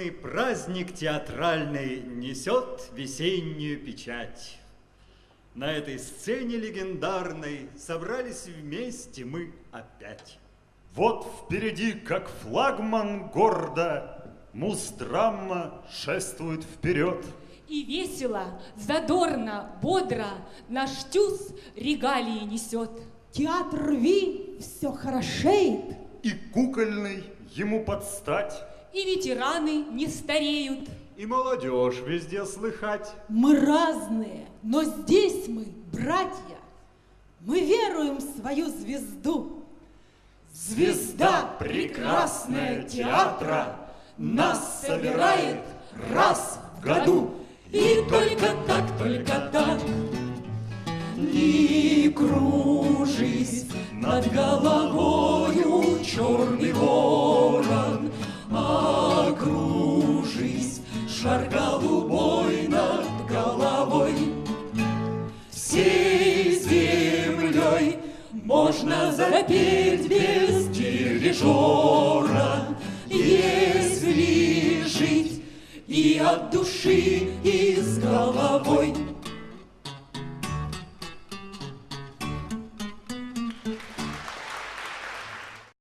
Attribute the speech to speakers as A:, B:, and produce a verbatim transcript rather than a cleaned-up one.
A: чудесный праздник театральный несет весеннюю печать. На этой сцене легендарной собрались вместе мы опять.
B: Вот впереди, как флагман гордо, муз-драма шествует вперед.
C: И весело, задорно, бодро наш тюз регалии несет.
D: Театр Ви все хорошеет.
B: И кукольный ему подстать.
C: И ветераны не стареют.
A: И молодежь везде слыхать.
D: Мы разные, но здесь мы братья. Мы веруем в свою звезду.
B: Звезда прекрасная театра нас собирает раз в году.
C: И только так, только так,
B: не кружись над головою, черный ворон, а кружись, шар голубой над головой. Всей землей можно запеть без дирижера, если жить и от души, и с головой.